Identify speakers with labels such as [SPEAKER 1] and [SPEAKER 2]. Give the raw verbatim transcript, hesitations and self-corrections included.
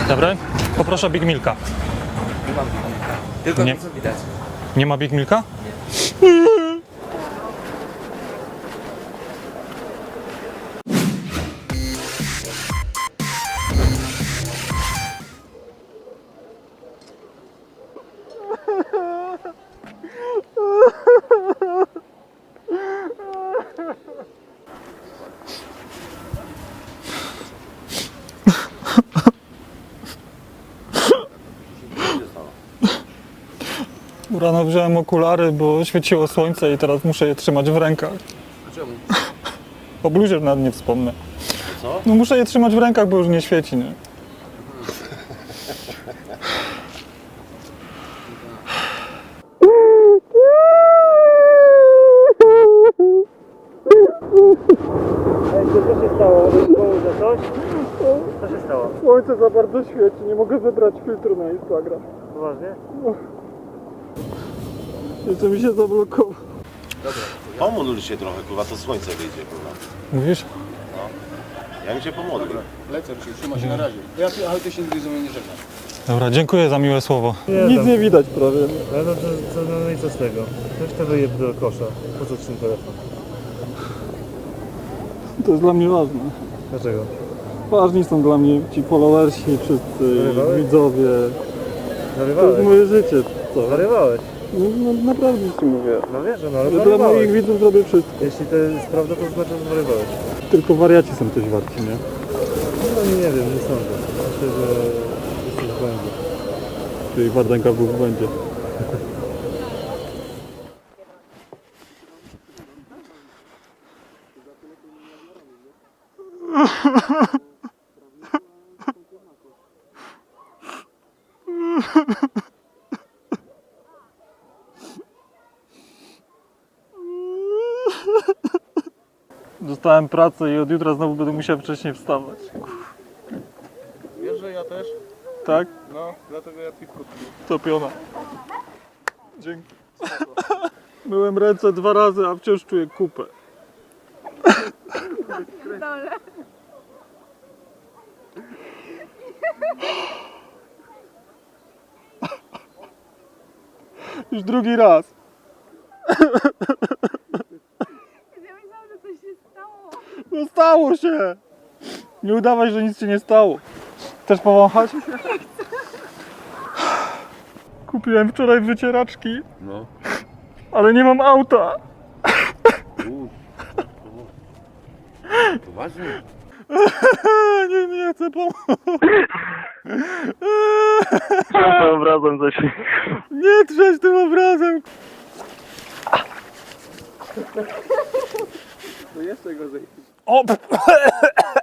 [SPEAKER 1] Dobry? Poproszę Big Milka.
[SPEAKER 2] Nie mam Big Milka. Tylko
[SPEAKER 1] Nie.
[SPEAKER 2] to co widać.
[SPEAKER 1] Nie ma Big Milka? Rano wziąłem okulary, bo świeciło słońce i teraz muszę je trzymać w rękach.
[SPEAKER 2] Czemu?
[SPEAKER 1] O bluzie nawet nie wspomnę.
[SPEAKER 2] Co?
[SPEAKER 1] No muszę je trzymać w rękach, bo już nie świeci, nie?
[SPEAKER 3] Co się stało? Komuś za coś? Co się stało?
[SPEAKER 1] Słońce za bardzo świeci, nie mogę wybrać filtru na Instagram.
[SPEAKER 3] Poważnie?
[SPEAKER 1] Jeszcze mi się zablokował.
[SPEAKER 4] Pomódl się trochę, kurwa, to słońce wyjdzie, kurwa.
[SPEAKER 1] Mówisz?
[SPEAKER 4] Ja bym cię pomodlił.
[SPEAKER 5] Lecę się, trzyma się na razie. Ja, ale ty się nigdy ze mną nie żegnam.
[SPEAKER 1] Dobra, dziękuję za miłe słowo.
[SPEAKER 3] Nie,
[SPEAKER 1] Nic
[SPEAKER 3] tam-
[SPEAKER 1] nie widać prawie.
[SPEAKER 3] No, no, to, to, no, no i co z tego? Weź to wyjeb do kosza. Po co ci ten telefon?
[SPEAKER 1] To jest dla mnie ważne.
[SPEAKER 3] Dlaczego?
[SPEAKER 1] Ważni są dla mnie ci followersi, wszyscy,
[SPEAKER 3] Zarywałeś?
[SPEAKER 1] widzowie. To
[SPEAKER 3] Zarywałeś?
[SPEAKER 1] jest moje życie, co?
[SPEAKER 3] Zarywałeś?
[SPEAKER 1] No, no naprawdę ci mówię.
[SPEAKER 3] No wiesz, no ale
[SPEAKER 1] Dla
[SPEAKER 3] zarywałeś.
[SPEAKER 1] moich widzów zrobię wszystko.
[SPEAKER 3] Jeśli to jest prawda, to znaczy, że zarywałeś.
[SPEAKER 1] Tylko wariaci są coś warci, nie?
[SPEAKER 3] No nie wiem, nie sądzę. Myślę, że jesteś w błędzie.
[SPEAKER 1] Czyli Wardenka był w błędzie. Dostałem pracę i od jutra znowu będę musiał wcześniej wstawać.
[SPEAKER 5] Wiesz, że ja też?
[SPEAKER 1] Tak?
[SPEAKER 5] No, dlatego ja piwko piję.
[SPEAKER 1] Topiona. Dzięki. Myłem ręce dwa razy, a wciąż czuję kupę. Już drugi raz.
[SPEAKER 6] Ja myślałam, że coś się stało.
[SPEAKER 1] No stało się. Nie udawaj, że nic się nie stało. Chcesz powąchać? Kupiłem wczoraj wycieraczki,
[SPEAKER 5] No.
[SPEAKER 1] ale nie mam auta.
[SPEAKER 5] Poważnie?
[SPEAKER 1] Nie, nie chcę pomóc.
[SPEAKER 3] Tym obrazem coś.
[SPEAKER 1] Nie trzeć tym obrazem.
[SPEAKER 5] To jeszcze gorzej.
[SPEAKER 1] O!